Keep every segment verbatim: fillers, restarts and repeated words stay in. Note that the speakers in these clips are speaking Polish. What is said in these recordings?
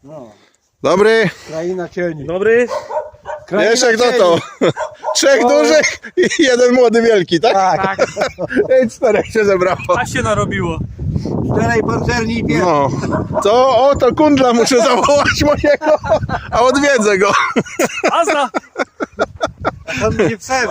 No. Dobry. Kraina cieni. Dobry. Kraina Wiesz jak cieni. to? Trzech O. dużych i jeden młody wielki, tak? Tak. Tak, I czterech się zebrało. a się narobiło. Czterej pancerni i pies. No. To o, to kundla muszę zawołać mojego, a odwiedzę go. Azna! A tam będzie psem.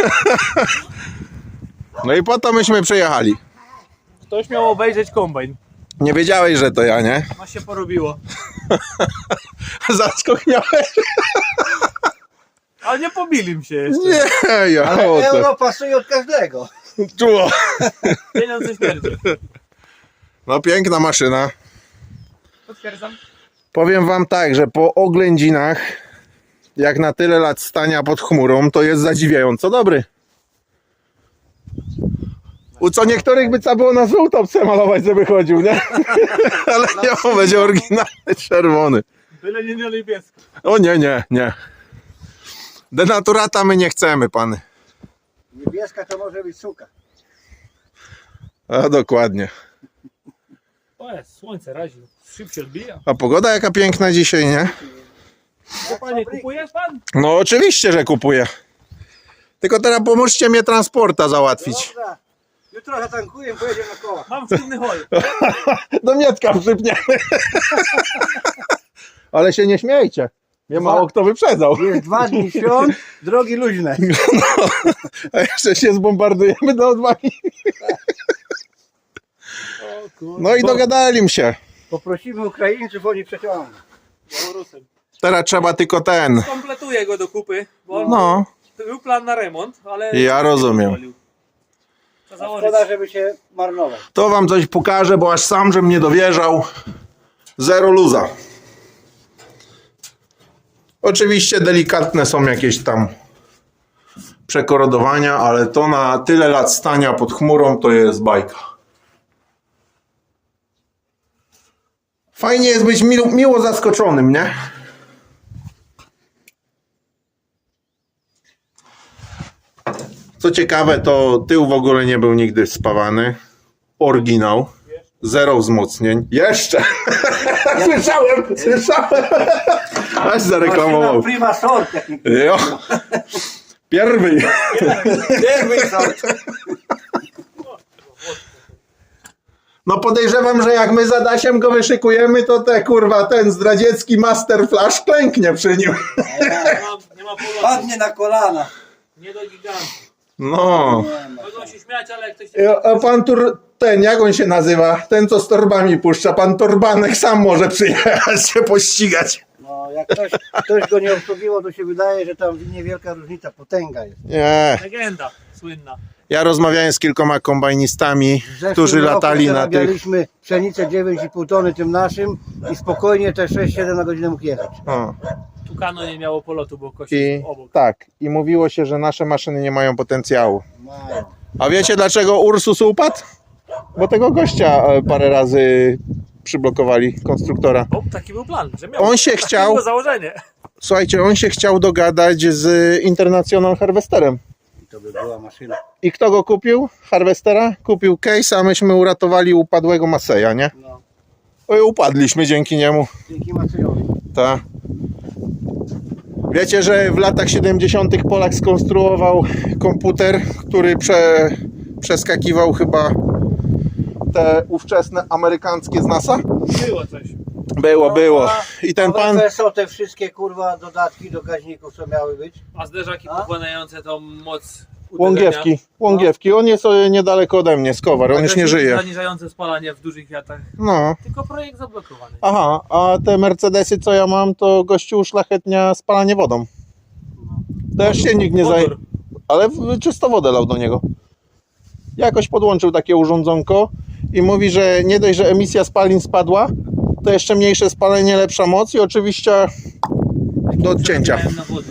No i po to myśmy przyjechali. Ktoś miał obejrzeć kombajn. Nie wiedziałeś, że to ja, nie? A się porobiło. Zaskok miałeś? Ale nie pobili mi się jeszcze. Nie, ja Ale o to. euro pasuje od każdego. Czuło. Pieniądze śmierdzi. No piękna maszyna. Potwierdzam. Powiem wam tak, że po oględzinach, jak na tyle lat stania pod chmurą, to jest zadziwiająco dobry. U co niektórych by trzeba było na żółto przemalować, żeby chodził, nie? Ale nie, on będzie oryginalny czerwony. Byle nie na niebiesko. O nie, nie, nie. Denaturata my nie chcemy, pany. Niebieska to może być suka. A dokładnie. O jest, słońce razi. Szyb się odbija. A pogoda jaka piękna dzisiaj, nie? A panie, kupujesz pan? No oczywiście, że kupuję. Tylko teraz pomóżcie mnie transporta załatwić. Dobra. Jutro zatankuję, pojedziemy na koła. Mam czynny hol. Do Mietka przypniemy. Ale się nie śmiejcie. Nie mało kto wyprzedzał. Jest dwa dni świąt, drogi luźne. A jeszcze się zbombardujemy do odwagi. O kurde. No i dogadali się. Poprosimy Ukraińców, oni przeciągną. Białorusem. Teraz trzeba tylko ten. Kompletuję go do kupy, bo on No. był plan na remont, ale... Ja rozumiem. Trzeba założyć. Szkoda, żeby się marnować. To wam coś pokażę, bo aż sam, żem nie dowierzał. Zero luza. Oczywiście delikatne są jakieś tam przekorodowania, ale to na tyle lat stania pod chmurą to jest bajka. Fajnie jest być miło, miło zaskoczonym, nie? Co ciekawe, to tył w ogóle nie był nigdy spawany. Oryginał. Zero wzmocnień. Jeszcze! Słyszałem! Słyszałem! Aż zareklamował. Maszyna prima sort, jak nie Jo. Pierwszy. pierwszy sort. No podejrzewam, że jak my z Adasiem go wyszykujemy, to te kurwa ten zdradziecki Master Flash klęknie przy nim. Nie ma, nie ma polotu. Padnie na kolana. Nie do gigantu. No. Mogą się śmiać, ale jak ktoś... A a pan tur, ten, jak on się nazywa? Ten, co z torbami puszcza. Pan Torbanek sam może przyjechać się pościgać. No, jak ktoś, ktoś go nie obsługiwał, to się wydaje, że tam niewielka różnica, potęga jest. Nie. Legenda słynna. Ja rozmawiałem z kilkoma kombajnistami, W zeszłym którzy roku latali na tych... zarabialiśmy pszenicę dziewięć i pół tony tym naszym i spokojnie te sześć siedem na godzinę mógł jechać. O. Tukano nie miało polotu, bo kosi I obok. tak, i mówiło się, że nasze maszyny nie mają potencjału. Mają. A wiecie dlaczego Ursus upadł? Bo tego gościa e, parę razy przyblokowali, konstruktora. O, taki był plan, że miał. On się Takie chciał- było założenie. Słuchajcie, on się chciał dogadać z International Harvesterem. I to by była maszyna. I kto go kupił? Harvestera? Kupił Case, a myśmy uratowali upadłego Maseja, nie? No, Oj, upadliśmy dzięki niemu. dzięki Maciejowi. Ta. Wiecie, że w latach siedemdziesiątych Polak skonstruował komputer, który prze, przeskakiwał chyba te ówczesne amerykańskie z NASA? Było coś. Było, było. I ten A pan... W F S O te wszystkie kurwa dodatki do gaźników, co miały być. A zderzaki A? pochłaniające tą moc uderzenia. Łągiewki, Łągiewki. On jest e, niedaleko ode mnie, z Kowar, on już nie żyje. Zaniżające spalanie w dużych wiatrach. No. Tylko projekt zablokowany. Aha, a te Mercedesy, co ja mam, to gościu uszlachetnia spalanie wodą. Też się nikt nie zajmuje. Wodór. Ale w- czysto wodę lał do niego. Jakoś podłączył takie urządzonko i mówi, że nie dość, że emisja spalin spadła, to jeszcze mniejsze spalenie, lepsza moc i oczywiście do odcięcia. Miałem na wody.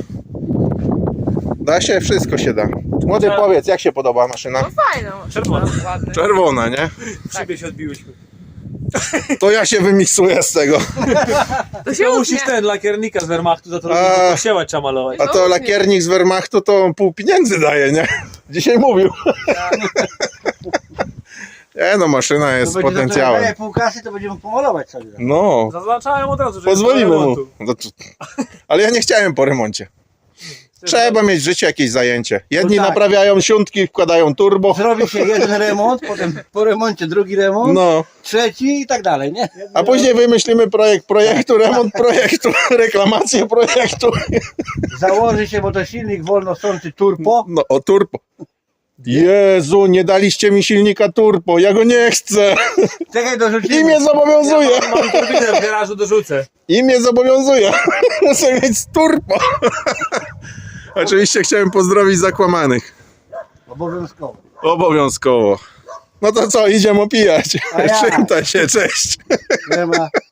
Da się, wszystko się da. Młody, powiedz, jak się podoba maszyna? No fajną. Czerwona. Ładny. Czerwona, nie? W szybie się odbiłyśmy. To ja się wymiksuję z tego. To się To musisz utnie. ten lakiernika z Wehrmachtu za to A. robić, bo siełać trzeba malować. A to lakiernik z Wehrmachtu to pół pieniędzy daje, nie? Dzisiaj mówił. Nie no, maszyna jest z To będzie za to, potencjałem. jak pół kasy, to będziemy pomalować sobie. No, Zaznaczałem od razu, że pozwolimy jest do mu. remontu. No to- Ale ja nie chciałem po remoncie. Trzeba mieć w życiu jakieś zajęcie. Jedni No tak. naprawiają siątki, wkładają turbo. Zrobi się jeden remont, potem po remoncie drugi remont, No, trzeci i tak dalej, nie? a później wymyślimy projekt projektu, remont projektu, reklamację projektu. Założy się, bo to silnik wolnosący turbo. No, o turbo. Jezu, nie daliście mi silnika turbo, ja go nie chcę. Czekaj, dorzucimy. I mnie zobowiązuje. Ja mam, mam turbinę w garażu, dorzucę. I mnie zobowiązuje. Muszę mieć z turbo. Oczywiście chciałem pozdrowić zakłamanych. Obowiązkowo. Obowiązkowo. No to co, idziemy opijać. A ja. Przywitaj się, cześć. Nie ma.